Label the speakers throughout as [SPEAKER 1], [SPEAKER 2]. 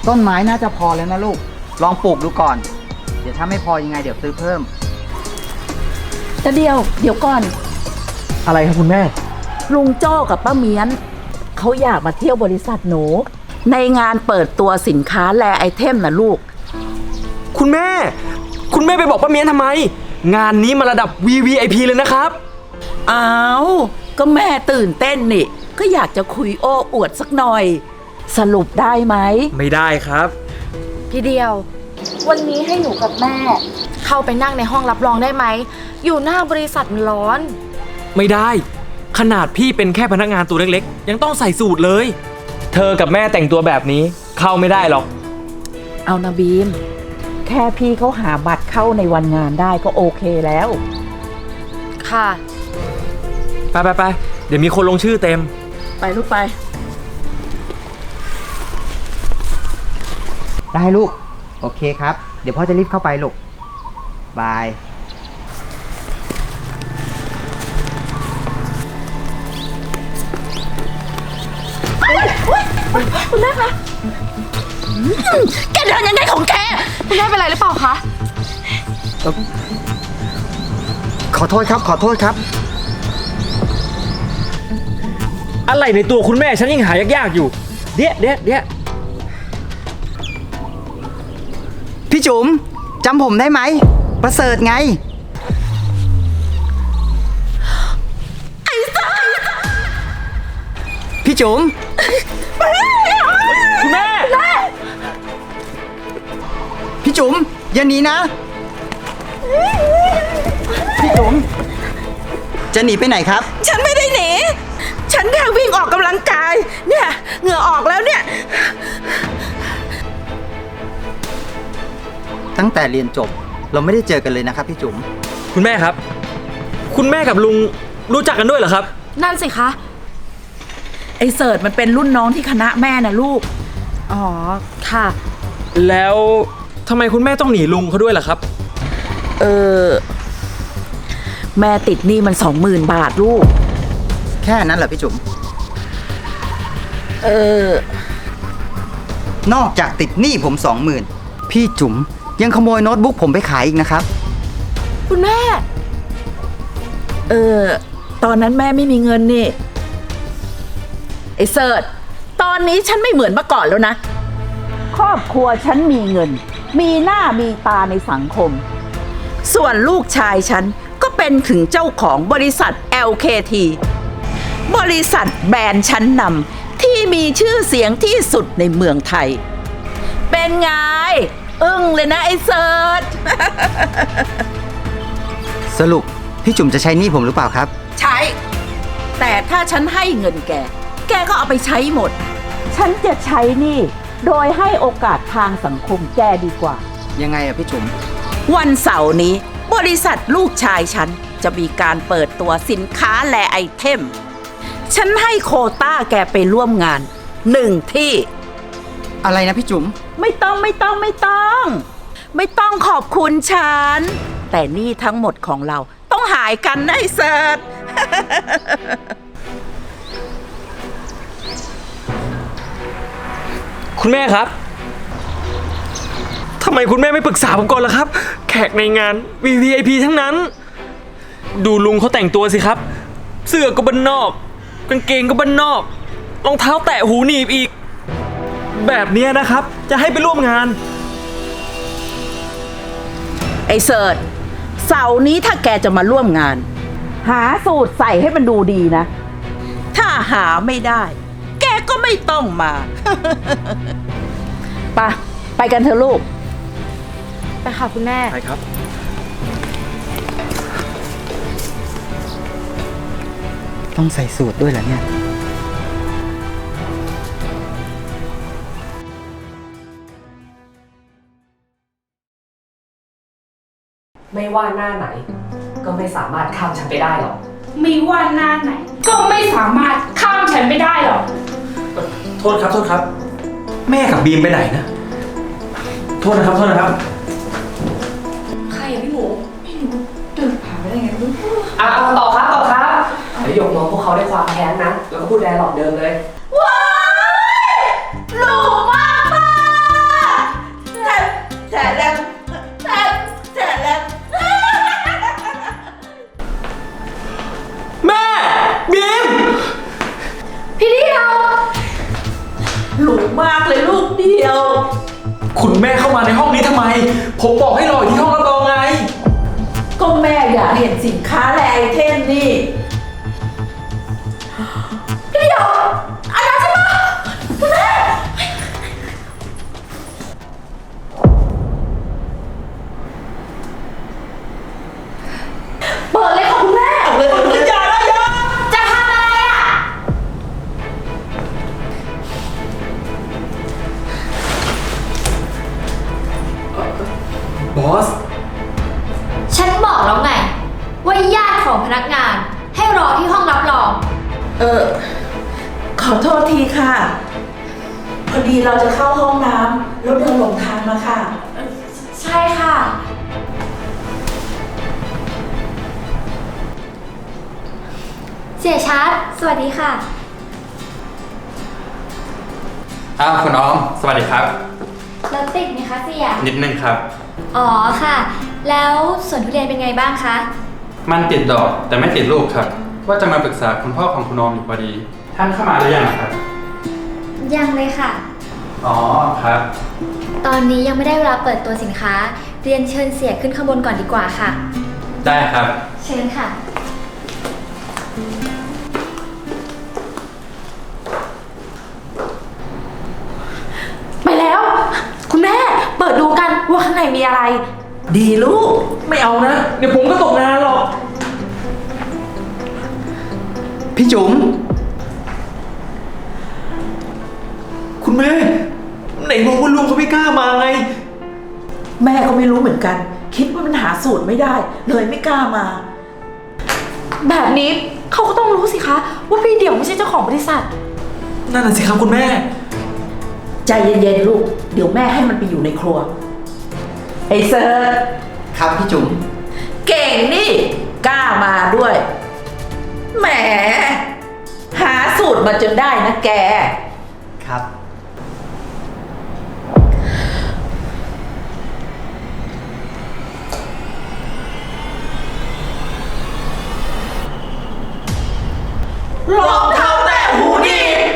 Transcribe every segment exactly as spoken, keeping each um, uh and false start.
[SPEAKER 1] ต้นไม้น่าจะพอแล้วนะลูกลองปลูกดูก่อนเดี๋ยวถ้าไม่พอยังไงเดี๋ยวซื้อเพิ่ม
[SPEAKER 2] แต่เดียวเดี๋ยวก่อน
[SPEAKER 3] อะไรครับคุณแม่
[SPEAKER 2] ลุงโจ้กับป้าเมียนเขาอยากมาเที่ยวบริษัทหนูในงานเปิดตัวสินค้าแลไอเทมนะลูก
[SPEAKER 3] คุณแม่คุณแม่ไปบอกป้าเมียนทำไมงานนี้มาระดับ วี วี ไอ พี เลยนะครับ
[SPEAKER 2] อ้าวก็แม่ตื่นเต้นนี่ก็อยากจะคุยโอ้อวดสักหน่อยสรุปได้ไหม
[SPEAKER 3] ไม่ได้ครับ
[SPEAKER 4] พี่เดียววันนี้ให้หนูกับแม่เข้าไปนั่งในห้องรับรองได้ไหมอยู่หน้าบริษัทมันร้อน
[SPEAKER 3] ไม่ได้ขนาดพี่เป็นแค่พนักงานตัวเล็กๆยังต้องใส่สูทเลยเธอกับแม่แต่งตัวแบบนี้เข้าไม่ได้หรอก
[SPEAKER 2] เอานะบีมแค่พี่เขาหาบัตรเข้าในวันงานได้ก็โอเคแล้ว
[SPEAKER 4] ค่ะ
[SPEAKER 3] ไปไปไปเดี๋ยวมีคนลงชื่อเต็ม
[SPEAKER 2] ไปลูกไป
[SPEAKER 1] ได้ลูกโอเคครับเดี๋ยวพ่อจะรีบเข้าไปลูกบาย
[SPEAKER 4] คุณแม่คะแกเดินยังไงของแกคุณแม่เป็นไรหรือเปล่าคะ
[SPEAKER 1] ขอโทษครับขอโทษครับ
[SPEAKER 3] อะไรในตัวคุณแม่ฉันยังหายากๆอยู่เดี๋ยวเดี๋ยวเดี๋ยว
[SPEAKER 1] พี่จุ๋มจำผมได้ไหมประเสริฐไง
[SPEAKER 2] ไอ้สัส
[SPEAKER 1] พี่จุ๋ม
[SPEAKER 3] คุณแม่
[SPEAKER 1] พี่จุ๋มอย่าหนีนะพี่จุ๋มจะหนีไปไหนครับ
[SPEAKER 2] ฉันไม่ได้หนีฉันแค่วิ่งออกกำลังกายเนี่ยเหงื่อออกแล้วเนี่ย
[SPEAKER 1] ตั้งแต่เรียนจบเราไม่ได้เจอกันเลยนะครับพี่จุ๋ม
[SPEAKER 3] คุณแม่ครับคุณแม่กับลุงรู้จักกันด้วยเหรอครับ
[SPEAKER 4] นั่นสิคะ
[SPEAKER 2] ไอ้เสิร์ชมันเป็นรุ่นน้องที่คณะแม่นะลูก
[SPEAKER 4] อ๋อค่ะ
[SPEAKER 3] แล้วทำไมคุณแม่ต้องหนีลุงเขาด้วยล่ะครับ
[SPEAKER 2] เออแม่ติดหนี้มันสองหมื่นบาทลูก
[SPEAKER 1] แค่นั้นเหรอพี่จุ๋ม
[SPEAKER 2] เอ
[SPEAKER 1] อนอกจากติดหนี้ผมสองหมื่นพี่จุ๋มยังขโมยโน้ตบุ๊กผมไปขายอีกนะครับ
[SPEAKER 4] คุณแม่
[SPEAKER 2] เออตอนนั้นแม่ไม่มีเงินนี่ไอ้เสิร์ชตอนนี้ฉันไม่เหมือนเมื่อก่อนแล้วนะครอบครัวฉันมีเงินมีหน้ามีตาในสังคมส่วนลูกชายฉันก็เป็นถึงเจ้าของบริษัท แอล เค ที บริษัทแบรนด์ชั้นนำที่มีชื่อเสียงที่สุดในเมืองไทยเป็นไงอึ้งเลยนะไอ้เสิร์ช
[SPEAKER 1] สรุปพี่จุ๋มจะใช้หนี้ผมหรือเปล่าครับ
[SPEAKER 2] ใช้แต่ถ้าฉันให้เงินแกแกก็เอาไปใช้หมดฉันจะใช้หนี้โดยให้โอกาสทางสังคมแกดีกว่า
[SPEAKER 1] ยังไงอะพี่จุ๋ม
[SPEAKER 2] วันเสาร์นี้บริษัทลูกชายฉันจะมีการเปิดตัวสินค้าแลไอเทมฉันให้โควต้าแกไปร่วมงานหนึ่งที่
[SPEAKER 1] อะไรนะพี่จุ๋ม
[SPEAKER 2] ไม่ต้องไม่ต้องไม่ต้องไม่ต้องขอบคุณฉันแต่นี่ทั้งหมดของเราต้องหายกันนะไอ้เสิร์ช
[SPEAKER 3] คุณแม่ครับทำไมคุณแม่ไม่ปรึกษาผมก่อนล่ะครับแขกในงาน วี วี ไอ พี ทั้งนั้นดูลุงเขาแต่งตัวสิครับเสื้อก็บ้านนอกกางเกงก็บ้านนอกรองเท้าแตะหูหนีบอีกแบบนี้นะครับจะให้ไปร่วมงาน
[SPEAKER 2] ไอ้เสิร์ชเสาร์นี้ถ้าแกจะมาร่วมงานหาสูตรใส่ให้มันดูดีนะถ้าหาไม่ได้แกก็ไม่ต้องมา ไปไปกันเถอะลูก
[SPEAKER 4] ไปค่ะคุณแม่
[SPEAKER 3] ไปครับ
[SPEAKER 1] ต้องใส่สูตรด้วยเหรอเนี่ย
[SPEAKER 5] ไม่ว่าหน้าไหนก็ไม่สามารถข้ามฉันไปได้หรอก
[SPEAKER 6] ไม่ว่าหน้าไหนก็ไม่สามารถข้ามฉันไปได้หรอก
[SPEAKER 3] โทษครับโทษครับแม่กับบีมไปไหนนะโทษนะครับโทษนะครับ
[SPEAKER 6] ใครอะพี่หมูไม่รู้เดินผ่านไปได้ไงไม่รู้
[SPEAKER 5] อ่ะต่อครับต่อครับเดี๋ยวหยกมองพวกเขาด้วยความแค้นนะแล้วก็พูดแดร์หลอกเดิมเลย
[SPEAKER 2] ว้ายหล่อมาก
[SPEAKER 3] บีม
[SPEAKER 4] พี่เดียว
[SPEAKER 2] หลูมากเลยลูกเดียว
[SPEAKER 3] คุณแม่เข้ามาในห้องนี้ทำไม ผมบอกให้รออยู่ที่ห้องรับรองไง
[SPEAKER 2] ก็แม่อยากเห็นสินค้าและไอเทมนี่
[SPEAKER 4] พี่เดียวอันนั้นใช่ปะคุณแม่เปิดเลยค่ะคุณแม่
[SPEAKER 2] เลยเลย
[SPEAKER 3] อย่านะอย่า
[SPEAKER 4] จะทำอะไรอ่ะ
[SPEAKER 3] บอส
[SPEAKER 4] ฉันบอกแล้วไง ว่าญาติของพนักงานให้รอที่ห้องรับรอง
[SPEAKER 2] เออ ขอโทษทีค่ะ พอดีเราจะเข้าห้องน้ำแล้วเดินหลงทางมาค่ะ
[SPEAKER 4] ใช่ค่ะ เสียชัดสวัสดีค่ะ
[SPEAKER 7] อ้าวคุณน้อง สวัสดีครับ
[SPEAKER 4] รถติดไหมคะเสีย
[SPEAKER 7] นิดนึงครับ
[SPEAKER 4] อ๋อค่ะ แล้วสวนทุเรียนเป็นไงบ้างคะ
[SPEAKER 7] มันติดดอกแต่ไม่ติดลูกครับ ว่าจะมาปรึกษาคุณพ่อของคุณน้องอยู่พอดี ท่านเข้ามาหรือยังครับ
[SPEAKER 4] ยังเลยค่ะ
[SPEAKER 7] อ๋อครับ
[SPEAKER 4] ตอนนี้ยังไม่ได้เวลาเปิดตัวสินค้า เรียนเชิญเสียขึ้นข้างบนก่อนดีกว่าค่ะ
[SPEAKER 7] ได้ครับ
[SPEAKER 4] เชิญค่ะ
[SPEAKER 2] ไปแล้ว คุณแม่ เปิดดูกันว่าข้างในมีอะไร ดีลูก
[SPEAKER 3] ไม่เอานะ เดี๋ยวผมก็ตกงานหรอก
[SPEAKER 1] พี่จุ๋ม
[SPEAKER 3] คุณแม่ ไหนบอกว่าลุงเขาไม่กล้ามาไง
[SPEAKER 2] แม่ก็ไม่รู้เหมือนกัน คิดว่ามันหาสูตรไม่ได้ เลยไม่กล้ามา
[SPEAKER 6] แบบนี้เขาก็ต้องรู้สิคะ ว่าพี่เดี่ยวไม่ใช่เจ้าของบริษัท
[SPEAKER 3] นั่นน่ะสิครับคุณแม่
[SPEAKER 2] ใจเย็นๆลูก เดี๋ยวแม่ให้มันไปอยู่ในครัว ไอ้เซิร์ช
[SPEAKER 1] ครับพี่จุ๋ม
[SPEAKER 2] เก่งนี่ กล้ามาด้วย แหม หาสูตรมาจนได้นะแก
[SPEAKER 1] ครับ
[SPEAKER 2] รองเท้าแตะหูดี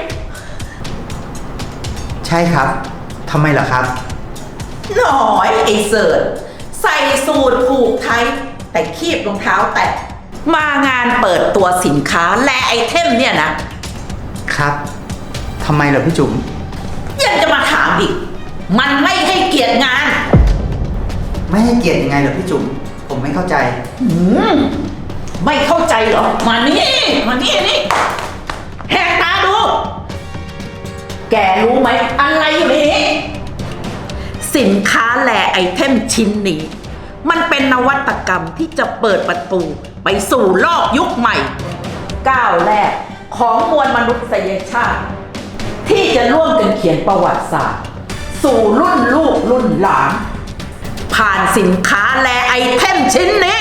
[SPEAKER 1] ใช่ครับทำไมล่ะครับ
[SPEAKER 2] หน่อยไอ้เสิร์ชใส่สูตรผูกไทย แต่คีบรองเท้าแตะมางานเปิดตัวสินค้าและไอเทมเนี่ยนะครับ
[SPEAKER 1] ทำไมล่ะพี่จุ๋ม
[SPEAKER 2] ยังจะมาถามอีก มันไม่ให้เกียรติงาน
[SPEAKER 1] ไม่ให้เกียรติยังไงเหรอพี่จุ๋ม ผมไม่เข้าใจ
[SPEAKER 2] หืมไม่เข้าใจเหรอ มานี่มานี่นี่แหกตาดู แกรู้ไหมอะไรอยู่ในนี้สินค้าและไอเทมชิ้นนี้ มันเป็นนวัตกรรมที่จะเปิดประตูไปสู่โลกยุคใหม่ ก้าวแรกของมวลมนุษยชาติ ที่จะร่วมกันเขียนประวัติศาสตร์ สู่รุ่นลูกรุ่นหลาน ผ่านสินค้าและไอเทมชิ้นนี้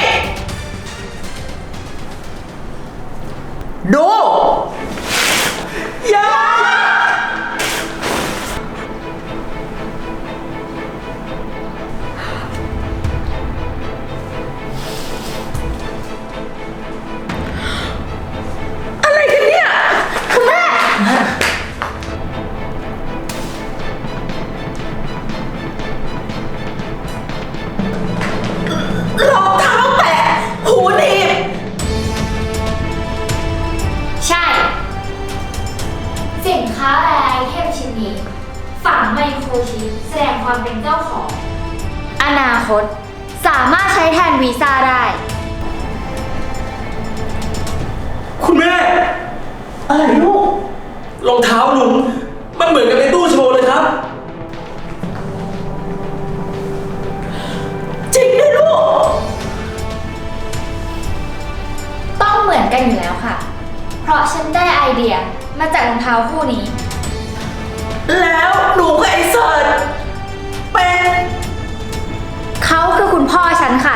[SPEAKER 2] ดู
[SPEAKER 3] อย่า
[SPEAKER 2] อะไรกันเนี่ย คุณแม่ รองเท้าแตะหูหนีบ
[SPEAKER 4] ใช่ สินค้าและไอเทมชิ้นนี้ ฝังไมโครชิปแสดงความเป็นเจ้าของ อนาคตสามารถใช้แทนวีซ่าได้
[SPEAKER 3] คุณแม่
[SPEAKER 2] อะไรลูก
[SPEAKER 3] รองเท้าลุง มันเหมือนกับในตู้โชว์เลยครับ
[SPEAKER 2] จริงด้วยลูก
[SPEAKER 4] ต้องเหมือนกันอยู่แล้วค่ะ เพราะฉันได้ไอเดียมาจากรองเท้าคู่นี้
[SPEAKER 2] แล้วหนูกับไอ้เสิร์ชเป็น
[SPEAKER 4] เขาคือคุณพ่อฉันค่ะ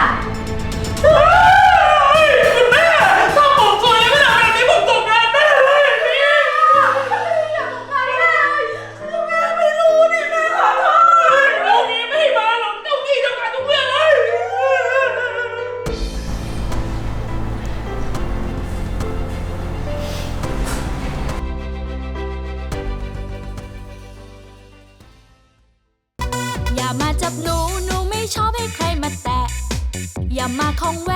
[SPEAKER 3] คุณแม่ ถ้าผมสวยไม่ทำแบบนี้ผมตกงานแน่เลยนี่แม่ไม่รู้นี่แม่ขอโทษลูกนี้ไม่ให้มาหรอกเจ้ากี้เจ้าการทุกเรื่องเลย
[SPEAKER 4] พ
[SPEAKER 8] ของแว